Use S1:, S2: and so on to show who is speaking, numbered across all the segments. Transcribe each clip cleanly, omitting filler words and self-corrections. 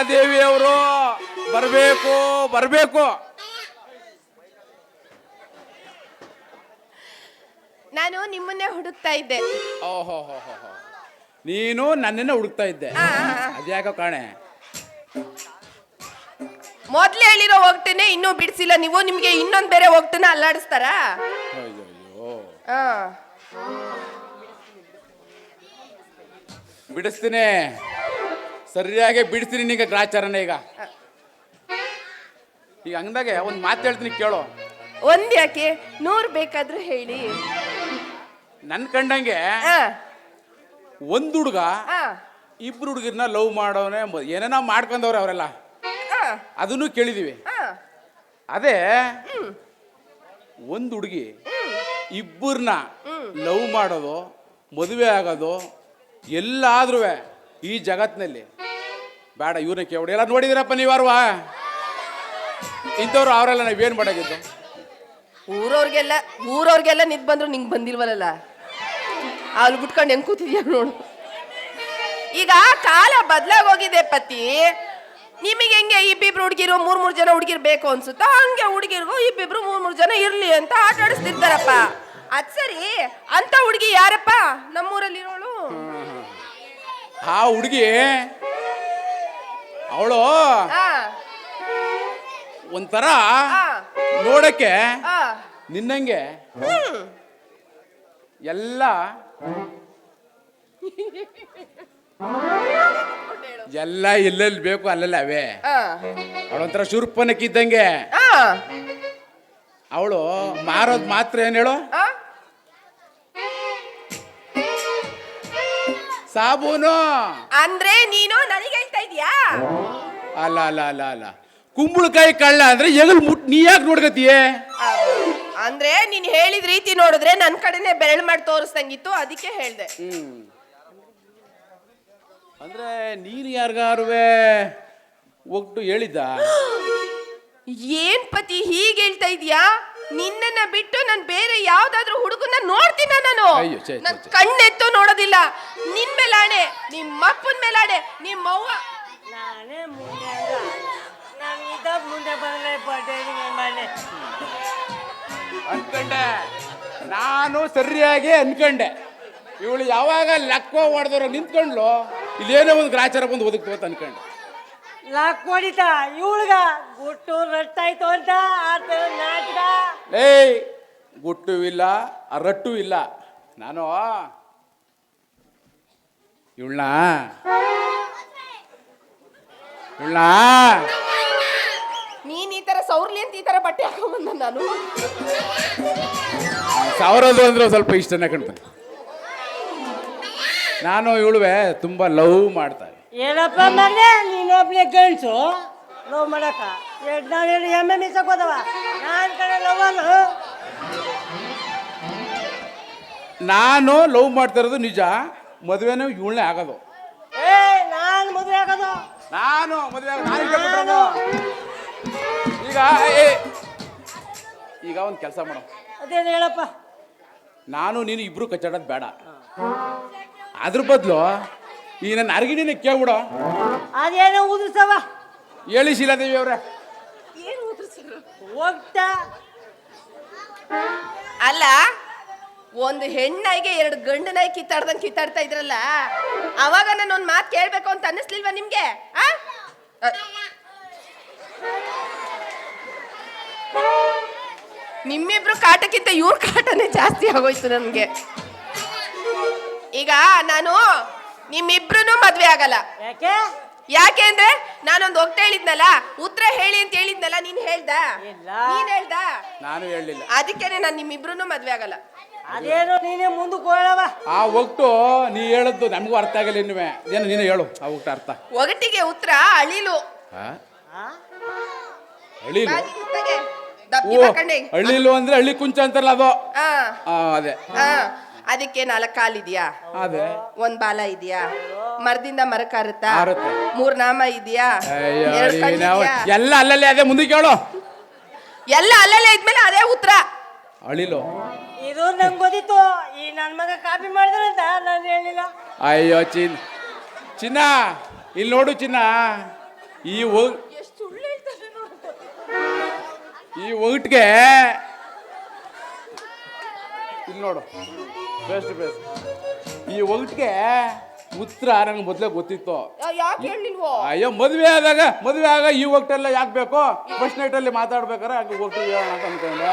S1: ಶಿಲಾದೇವಿಯವರು ಬರಬೇಕು ಬರಬೇಕು.
S2: ನಾನು ನಿಮ್ಮನ್ನೇ ಹುಡುಕ್ತಾ ಇದ್ದೆ.
S1: ಓಹೋ ನೀನು ನನ್ನನ್ನ ಹುಡುಕ್ತಾ ಇದ್ದೆ. ಅದ್ಯಾಕೋ ಕಾಣೆ.
S2: ಮೊದ್ಲೇ ಹೇಳಿರೋ ಹೋಗ್ತೇನೆ ಇನ್ನೂ ಬಿಡಿಸಿಲ್ಲ ನೀವು. ನಿಮ್ಗೆ ಇನ್ನೊಂದ್ ಬೇರೆ ಹೋಗ್ತಾನೆ ಅಲ್ಲಾಡಿಸ್ತಾರ.
S1: ಬಿಡಿಸ್ತೀನಿ, ಸರಿಯಾಗಿ ಬಿಡಿಸ್ತೀನಿ ನಿಂಗೆ ಗ್ರಾಚಾರನೇ. ಈಗ ಹಂಗದಾಗೆ ಒಂದು ಮಾತು ಹೇಳ್ತೀನಿ ಕೇಳೋ.
S2: ಒಂದ್ ಯಾಕೆ 100 ಬೇಕಾದ್ರೂ ಹೇಳಿ.
S1: ನನ್ ಕಂಡಂಗೆ ಒಂದ್ ಹುಡುಗ ಇಬ್ರು ಹುಡುಗಿರ್ನ ಲವ್ ಮಾಡೋನೆ ಏನೇನೋ ಮಾಡ್ಕೊಂಡವ್ರೆ ಅವರೆಲ್ಲ, ಅದನ್ನು ಕೇಳಿದೀವಿ. ಅದೇ ಒಂದು ಹುಡುಗಿ ಇಬ್ಬರನ್ನ ಲವ್ ಮಾಡೋದು, ಮದುವೆ ಆಗೋದು ಎಲ್ಲಾದ್ರೂ ಈ ಜಗತ್ನಲ್ಲಿ ಬೇಡ. ಇವ್ರನ್ನ ಕೇಳಿ ಎಲ್ಲ ನೋಡಿದಿರಪ್ಪ ನೀವಾರ್ವಾ ಇಂಥವ್ರು. ಅವರೆಲ್ಲ ನಾವೇನು ಮಾಡಾಗಿದ್ದು?
S2: ಊರವ್ರಿಗೆಲ್ಲ ನಿಂತ್ ಬಂದ್ರು ನಿಂಗೆ ಬಂದಿಲ್ವಲ್ಲ. ಅಲ್ಲಿ ಬಿಟ್ಕೊಂಡು ಹೆಂಗ್ ಕೂತಿದ್ಯಾ ನೋಡು. ಈಗ ಕಾಲ ಬದಲಾಗೋಗಿದೆ ಪತಿ. ನಿಮಗೆ ಹೆಂಗೆ ಇಬ್ಬಿಬ್ರು ಹುಡುಗಿರು 3 ಜನ ಹುಡುಗಿರ್ ಬೇಕು ಅನ್ಸುತ್ತಾ, ಹಂಗೆ ಹುಡುಗಿರ್ಗೂ ಇಬ್ಬಿಬ್ರು 3 ಜನ ಇರ್ಲಿ ಅಂತ ಆಟ ಆಡಿಸ್ತಿರ್ತಾರಪ್ಪ. ಅದ್ ಸರಿ, ಅಂತ ಹುಡುಗಿ ಯಾರಪ್ಪ? ನಮ್ಮೂರಲ್ಲಿರೋಳು.
S1: ಆ ಹುಡುಗಿ ಅವಳು ಒಂಥರ ನೋಡಕ್ಕೆ ನಿನ್ನಂಗೆ ಎಲ್ಲ ಎಲ್ಲೆಲ್ಲಿ ಬೇಕು ಅಲ್ಲೆಲ್ಲ ಅವೇ. ಅವಳೊಂಥರ ಶೂರ್ಪನಕ್ಕಿದ್ದಂಗೆ. ಅವಳು ಮಾರೋದ್ ಮಾತ್ರ ಏನ್ ಹೇಳು? ಸಾಬೂನು.
S2: ಅಂದ್ರೆ ನೀನು ನನಗೆ ಹೇಳ್ತಾ ಇದೀಯಾ?
S1: ಅಲ್ಲ ಅಲ್ಲ ಅಲ್ಲ ಅಲ್ಲ, ಕುಂಬಳಕಾಯಿ ಕಳ್ಳ ಅಂದ್ರೆ ಎಗಲ್ ಮುಟ್ ನೀ ಯಾಕೆ ನೋಡ್ಕತಿಯೇ?
S2: ಅಂದ್ರೆ ನೀನ್ ಹೇಳಿದ ರೀತಿ ನೋಡಿದ್ರೆ ನನ್ ಕಡೆನೆ ಬೆರಳು ಮಾಡಿ ತೋರಿಸ್ದಂಗಿತ್ತು, ಅದಕ್ಕೆ ಹೇಳ್ದೆ.
S1: ಅಂದ್ರೆ ನೀನು ಯಾರಿಗಾರುವೆ ಒಟ್ಟು ಹೇಳಿದ್ದ?
S2: ಏನ್ ಪತಿ ಹೀಗೆ ಹೇಳ್ತಾ ಇದೀಯಾ? ನಿನ್ನನ್ನ ಬಿಟ್ಟು ನಾನು ಬೇರೆ ಯಾವ್ದಾದ್ರು ಹುಡುಗನ್ನ ನೋಡ್ತೀನ ನಾನು? ನನ್ ಕಣ್ಣೆತ್ತು ನೋಡೋದಿಲ್ಲ. ನಿನ್ ಮೇಲಾಣೆ, ನಿಮ್ಮ ಅಪ್ಪನ ಮೇಲಾಣೆ, ನಿಮ್ಮ ಅವ್ವ.
S3: ನಾನೇ ಮುಂದೆ
S1: ಅನ್ಕಂಡೆ, ನಾನು ಸರಿಯಾಗಿ ಅನ್ಕಂಡೆ. ಇವಳು ಯಾವಾಗ ಲೆಕ್ಕ ಹೊಡೆದವ್ರು ನಿಂತ್ಕೊಂಡ್ಲು, ಇಲ್ಲೇನೋ ಒಂದು ಗ್ರಾಚಾರ ಬಂದು ಒದಗ್ತು ಅನ್ಕಂಡೆ.
S3: ಲಾಕ್ ಹೊಡಿತಾ ಇವಳ್ಗ ಗುಟ್ಟು ರಟ್ಟಾಯ್ತು ಅಂತ ನಾಟಕ.
S1: ಏಯ್, ಗುಟ್ಟು ಇಲ್ಲ, ರಟ್ಟು ಇಲ್ಲ. ನಾನು ಇವಳನ್ನ
S2: ನೀನ್ ಈ ತರ ಸೌರ್ಲಿ ಅಂತ ಈ ತರ ಬಟ್ಟೆ ಹಾಕೊಂಬಂದ. ನಾನು
S1: ಸಾವಿರದು ಅಂದ್ರೆ ಸ್ವಲ್ಪ ಇಷ್ಟನೇ ಕಾಣ್ತಾನೆ. ನಾನು ಇವಳುವೆ ತುಂಬಾ ಲವ್ ಮಾಡ್ತಾರೆ.
S3: ಏನಪ್ಪ ಮಗನೇ, ನೀನೊಬ್ನೇ ಗಂಡ್ಸು ಲವ್ ಮಾಡಕ? ನಾವೇನು ಎಮ್ಮೆ ಮೀಸಕೋದವ? ನಾನು ಕಡೆ ಲವ್
S1: ನಾನು ಲವ್ ಮಾಡ್ತಾ ಇರೋದು ನಿಜ. ಮದುವೆನೂ ಇವಳನ್ನೇ ಆಗೋದು.
S3: ನಾನು ಮದುವೆ ಆಗೋದು?
S1: ನಾನು ಮದುವೆ ಈಗ ಒಂದು ಕೆಲಸ ಮಾಡೋ.
S3: ಅದೇನು ಹೇಳಪ್ಪ?
S1: ನಾನು ನೀನು ಇಬ್ರು ಕಚ್ಚಾಡೋದು ಬೇಡ. ಅದ್ರ ಬದಲು ಈ ನನ್ನ ಅರ್ಗಿಣಿನ ಕೇಳ್ಬಿಡೋ.
S3: ಅದೇನೋ ಉದುರ್ಸವ
S1: ಹೇಳಿ ಶಿಲಾದೇವಿ ಅವ್ರೆ.
S3: ಹೋಗ್ತಾ
S2: ಅಲ್ಲ, ಒಂದು ಹೆಣ್ಣಾಯಿಗೆ 2 ಗಂಡು ನಾಯಿ ಕಿತ್ತಾಡ್ತಾ ಇದ್ರಲ್ಲ, ಅವಾಗ ನಾನು ಒಂದು ಮಾತು ಕೇಳ್ಬೇಕು ಅಂತ ಅನ್ನಿಸ್ಲಿಲ್ವಾ ನಿಮ್ಗೆ? ನಿಮ್ಮಿಬ್ರು ಕಾಟಕ್ಕಿಂತ ಇವ್ರ ಕಾಟನೇ ಜಾಸ್ತಿ ಆಗೋಯ್ತು ನನ್ಗೆ. ಈಗ ನಾನು ನಿಮ್ಮಿಬ್ರು ಮದ್ವೆ ಆಗಲ್ಲ. ಯಾಕೆ ಅಂದ್ರೆ ನಾನೊಂದು ಒಗ್ಟ ಹೇಳಿದ್ನಲ್ಲ, ಉತ್ತರ ಹೇಳಿ ಅಂತ ಹೇಳಿದ್ನಲ್ಲ. ನೀನ್ ಹೇಳ್ದ?
S1: ನಾನು ಹೇಳಿಲ್ಲ.
S2: ಅದಕ್ಕೇನೆ ನಾನು ನಿಮ್ಮಿಬ್ರು ಮದ್ವೆ ಆಗಲ್ಲ.
S3: ಅದೇನೋ ನೀನೇ ಮುಂದಕ್ಕೆ ಹೋಗವ.
S1: ಆ ಒಗ್ಟು ನೀ ಹೇಳದ್ದು ನಮಗೂ ಅರ್ಥ ಆಗಲ್ಲ. ಇನ್ನುವೆ ಏನು ನೀನು ಹೇಳು ಆ ಒಗ್ಟ ಅರ್ಥ.
S2: ಒಗಟಿಗೆ ಉತ್ತರ ಅಳಿಲು.
S1: ಅಳಿಲು? ಹಳ್ಳಿಲು ಅಂದ್ರೆ ಹಳ್ಳಿ ಕುಂಚ ಅಂತಾರಲ್ಲ ಅದು. ಅದೇ.
S2: ಅದಕ್ಕೆ 4 ಕಾಲಿದ್ಯಾ?
S1: ಅದೇ.
S2: 1 ಬಾಲ ಇದೆಯಾ? ಮರದಿಂದ ಮರಕ್ಕೆ ಹಾರುತ್ತಾ? 3 ನಾಮ ಇದೆಯಾ? 2 ಕಣ್ಣು
S1: ಎಲ್ಲ ಅಲ್ಲಲ್ಲೇ. ಅದೇ ಮುಂದೆ ಕೇಳು.
S2: ಎಲ್ಲ ಅಲ್ಲಲ್ಲೇ ಇದ್ಮೇಲೆ ಅದೇ ಉತ್ತರ.
S1: ಅಳಿಲು
S3: ಇದು ನಂಗೆ ಗೊತ್ತಿತ್ತು. ಈ ನನ್ನ ಮಗ ಕಾಪಿ ಮಾಡಿದ್ರಂತ ನಾನು ಹೇಳಿಲ್ಲ.
S1: ಅಯ್ಯೋ ಚಿನ್ನ, ಇಲ್ಲಿ ನೋಡು ಚಿನ್ನ, ಈ ಒ-
S2: ಎಷ್ಟು ಸುಳ್ಳು ಹೇಳ್ತಾರೆ ನೋಡು.
S1: ಈ ಒಗಟ್ಗೆ ಇಲ್ಲಿ ನೋಡು ಬೆಸ್ಟ್ ಬೆಸ್ಟ್ ಈ ಒಗಟ್ಗೆ ಉತ್ತರ ನಂಗೆ ಮೊದಲೇ ಗೊತ್ತಿತ್ತು.
S2: ಯಾಕೆ ಹೇಳಿಲ್ವೋ?
S1: ಅಯ್ಯೋ ಮದುವೆ ಆಗ ಈ ಒಗಟೆಲ್ಲ ಯಾಕೆ ಬೇಕು? ಫಸ್ಟ್ ನೈಟಲ್ಲಿ ಮಾತಾಡ್ಬೇಕಾರೆ ಹಂಗೆ ಹೋಗ್ತೀವಿ ಹೇಳೋಣ ಅಂತ ಅನ್ಕೊಂಡೆ.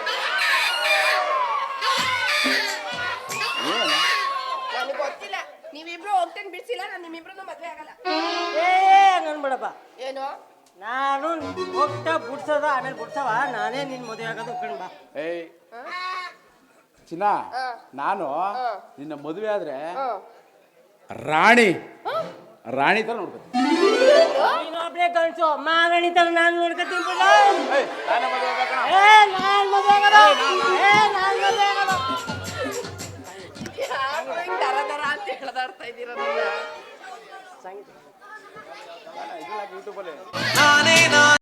S2: ನನಗೆ ಗೊತ್ತಿಲ್ಲ. ನೀವಿಬ್ರು ಹೋಗ್ತೇನೆ ಬಿಡ್ಸಿಲ್ಲ, ನಾನು ನಿಮ್ಮಿಬ್ರು ಮದ್ವೆ ಆಗಲ್ಲ.
S3: ಅನ್ಬೇಡಪ್ಪ.
S2: ಏನು?
S3: ನಾನು ಹೋಗ್ತಾ ಬಿಡ್ಸೋದ ಆಮೇಲೆ ಬಿಡ್ಸವ ನಾನೇ ನಿನ್ ಮದುವೆ ಆಗೋದು ಕಣ್ ಬಾ.
S1: ಏಯ್ ಚಿನ್ನ, ನಾನು ನಿನ್ನ ಮದುವೆ ಆದ್ರೆ ರಾಣಿ ತರ ನೋಡ್ತೀನಿ.
S3: ನೀನೊಬ್ನೇ ಗಂಡ್ಸು, ಮಹಾರಾಣಿ ತರ ನಾನು ನೋಡ್ಕೊತೀನಿ ಬಿಡ.
S1: ನಾನೇ ಮದುವೆ ಆಗ್ಬೇಕಣ್ಣ.
S3: ನಾನ್ ಮದುವೆ ಆಗೋದು. ನಾನ್ ಮದುವೆ ಆಗೋದು.
S2: ಯಾಕೋ ಹಿಂಗ್ ದರ ದರ ಅಂತ ಹೇಳ್ದಾಡ್ತಾ ಇದ್ದೀರ ನನ್ನ?
S3: ಸಂಗೀತ
S1: ಯೂಟ್ಯೂಬಲ್ಲಿ